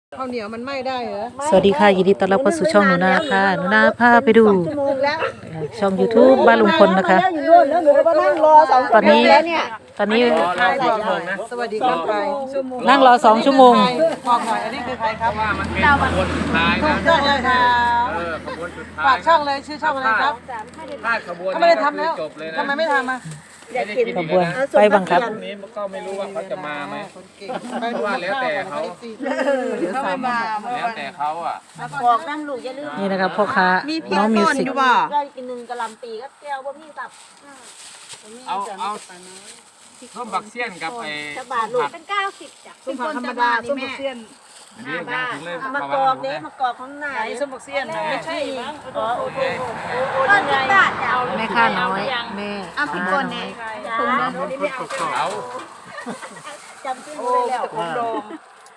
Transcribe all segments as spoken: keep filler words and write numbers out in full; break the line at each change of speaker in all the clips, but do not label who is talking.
ข้าวเหนียวมันไหม้ได้เหรอ
สวัสดีค่ะยินดีต้อนรับเข้าสู่ช่องหนูนาค่ะหนูนาพาไปดูช่อง YouTube บ้านลุงพลนะคะตอนนี้ตอนนี้
สวัสดีครับไป
นั่งรอสองชั่วโมง
บอกหน่อยอันนี้คือใครครับ
ว่ามันเป็นขบวนสุดท้าย
ถู
นะ
กต้องเลยครับ
เออขบวนสุดท้าย
ฝากช่องเลยชื่อช่องอะไรครับ
ถ้าขบวน
เขาไม่ได้ทำแล้ว
จบเลยนะ
ทำไมไม่ทำอ่ะ
ไม่ได้กิน
ข
อีก
บวน
นะ
ไปบังคับ
พรุ่งนี้ก็ไม่รู้ว่าเขาจะมาไหม
เพราะว่าแล้วแต่เขาเขาไม่มา
แล้วแต่เขาอ่ะ
บอกนั่นลูกอย่าลืม
นี่นะครับพ่อค้าน้องมิวสิก
ได้กินหนึ่งกะหล่ำปีก็แก้วบ่มีสับ
เอาเอาส้มบักเซียนกับไอ้
จะบาทลูกเป็นเก้าสิบจ้ะ
ส้มผักธรรมดาส้มผักเสี้ยน
อันนี้ยังถึงเลย
มากอกเด้มากอกของนาย
ส้มผักเสี้ยนไม่ใช่มั้ง
อ๋อโอ้โหต้นสิบบาทจ้ะ
แม่ค่าน้อยแม่
อ่ะพี่กนเนี่ยถุงนึงนี่ไม่เอา
เอา
จำชื่อได้แล้ว
ผมโดม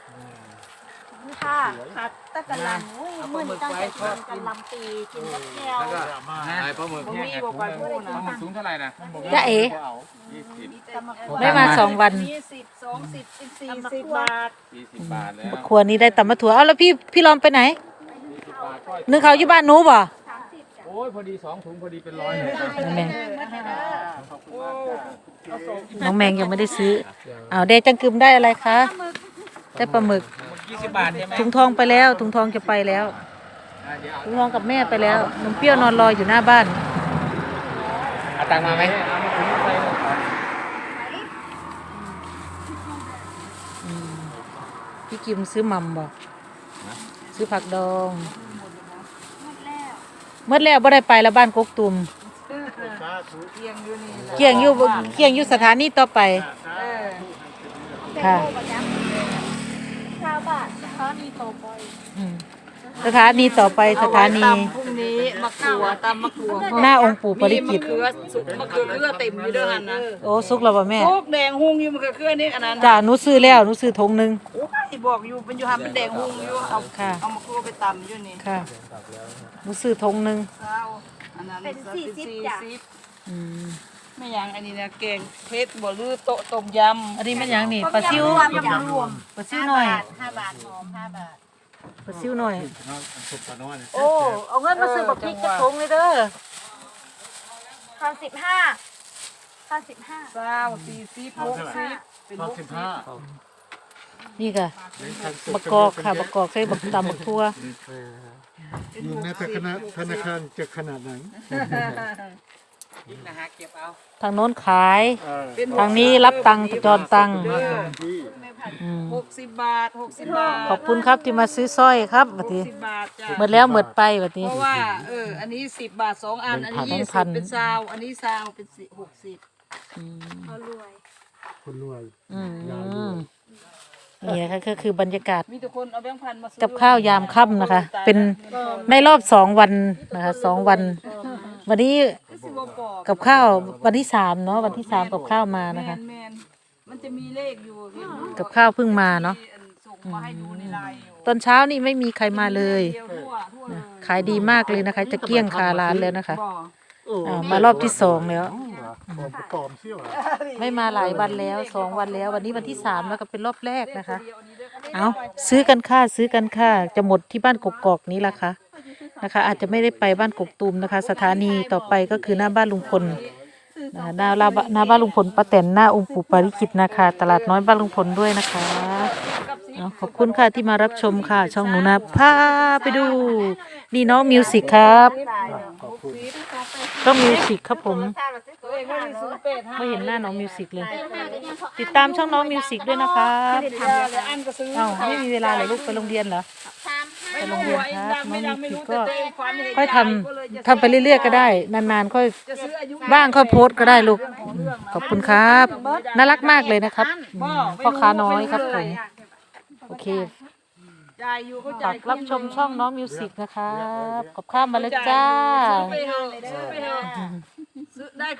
ค่ะผัดตะกะหล่ำอุ้ยมันตั้งแต่กินกะหล่ำปีกินกับแก้ว
แล้วก็ไอ้ปลาหมึกแห้งไอ้ถุงเลยปลาหมึกถุงเท่าไหร่นะ
จ้าเอ๋
ยี่สิบ
ไม่มาสองวัน
ยี่สิบสองสิบสิบสี่สิบบาท
ยี่สิบบาทแล้ว
ครัวนี้ได้ตำมะถั่วเอาแล้วพี่พี่ลอมไปไหน
ยี่สิบบาทก็
นึกเขาอยู่บ้านหนูบ่
โอ้ยพอดีสองถุงพอดีเป็นร้อยเลย
น้องแมงน้องแมงยังไม่ได้ซื้อเอาเดจังกึมได้อะไรคะได้ปลาหมึก
ยี่สิบบาทใช่ไหม
ถุงทองไปแล้วถุงทองจะไปแล้วถุงทองกับแม่ไปแล้วน้องเปรี้ยวนอนรออยู่หน้าบ้าน
เอาตังค์มาไหม
พี่กิมซื้อหม่ำบ่ซื้อผักดองเมื่อแล้วบ่ได้ไปแล้วบ้านกกตุ่ม
เกียงอยู่นี่แหละ
เกี่ยงอยู่เกี่ยงอยู่สถานีต่อไป
เออ
ค่ะ
เก้าบาทเขามีโตปอย
อืมสถานีต่อไปสถานี
ตำพรุ่งนี้มะกรูดตำมะกรูด
หน้าองค์ปู่ปริจิตร
มะเขือสุกมะเขือเขือเต็มอยู่ด้วยกันนะ
โอ้สุกแล้วบ่แม่
พวกแดงหุงอยู่มะเขือเขือนี่อันนั้น
จ้าหนูซื้อแล้วหนูซื้อถุงหนึง
โอ้ยบอกอยู่เป็นอยู่หันเป็นแดงหุงอยู่เอา
ค่ะ
เอามะกรูดไปตำอยู่นี่
ค่ะหนูซื้อถุงหนึง
เช้าอันนั้น
เป็นสี่สิบจ้ะ
สี่สิบ
อืม
ไม่ยังอันนี้นะแกงเพชรบ่ลือโต๊ะต้มยำ
อันนี้มันหยังนี่ปลาซิว
รวมจ้ะรวม
ปลาซิวหน่อย
ห้าบาทหอมห้าบาท
ปลาซิวหน่อย
โอ้เอาเงินมาซื้อบักพริกกระทงเลยเด้อข้าวสิบห้าข้าวสิบห้า
เช้าสี่สิบหกสิบเป็นหกสิบ
นี่ค่ะบักกอกค่ะบักกอกใส่บักตำบักทั่ว
อยู่ในธนาธนาคารจะขนาดไหน
อีกนะฮะเก็บเอา
ทางโน้นขาย
เป็น
ทางนี้รับตังค์จอนตังค์
เด้อ
อืม
หกสิบบาทหกสิบบาท
ขอบคุณครับที่มาซื้อสร้อยครับบัดนี้
สิบบาทจ้ะ
หมดแล้วหมดไปบัด
เพ
นี้
ราะว่าเอออันนี้สิบบาทสองอันอันนี้
แบง
ยี่
ค์พั
สิบ
น
เป็นซาวอันนี้ซาวเป็นสิหกสิบ
อืม
เขารวย
คนรวย
อืมนี่นะคะก็คือบรรยากาศ
มีแต่คนเอาแบงค์พันมาซื้อ
กับข้าวยามค่ำนะคะ เป็นในรอบสองวันนะคะสองวัน วันนี้
สิบกว่าปอก
กับข้าววันที่สามเนาะวันที่สามกับข้าวมานะคะ
แมนๆมันจะมีเลขอยู่เห็นไหม
กับข้าวเพิ่งมาเนาะ
ที่อันส่งมาให้ดูในไลน์อยู่
ตอนเช้านี่ไม่มีใครมาเลย
เดียวทั่วทั่วเลย
ขายดีมากเลยนะคะ จะเกลี้ยงคาร้านแล้วนะคะ
บ่
อ่ามารอบที่สองแล้ว
ปลอมปลอมเชี่ยว
ไม่มาหลายวันแล้วสองวันแล้ว วันนี้วันที่สามแล้วก็เป็นรอบแรกนะคะ เอาซื้อกันค่าซื้อกันค่าจะหมดที่บ้านกกอกนี้ละคะนะคะ อาจจะไม่ได้ไปบ้านกกตูมนะคะ สถานีต่อไปก็คือหน้าบ้านลุงพลนะคะหน้าหน้าหน้าบ้านลุงพลป้าแตนหน้าองค์ปู่ปาริจิตนะคะ ตลาดน้อยบ้านลุงพลด้วยนะคะเอาขอบคุณค่ะที่มารับชมค่ะ ช่องหนูนะพาไปดูนี่น้องมิวสิกครับช่องมิวสิกครับผม
ตัวเองว่าซื้อเป็ด
ไม่เห็นหน้าน้องมิวสิกเลย ติดตามช่องน้องมิวสิกด้วยนะคะ
แล้วอันก็ซื้อ
เอ้าไม่มีเวลาเหรอลูกไปโรงเรียนเหรอ ไปโรงเรียนครับน้องมิวสิกก็ค่อยทำทำไปเรื่อยๆก็ได้ นานๆค่อย
จะซื้ออายุ
บ้างค่อยโพสต์ก็ได้ลูกอืมขอบคุณครับน่ารักมากเลยนะครับอืมพ่อค้าน้อยครับผมโอเค
จ่ายอยู่เขา
ฝา
จ่าย
กรับชมช่องน้องมิวสิกนะครับกับข้ามมาแล้วจ้า
ซื้อไปเถอะซื้อไปเถอะซื้อได้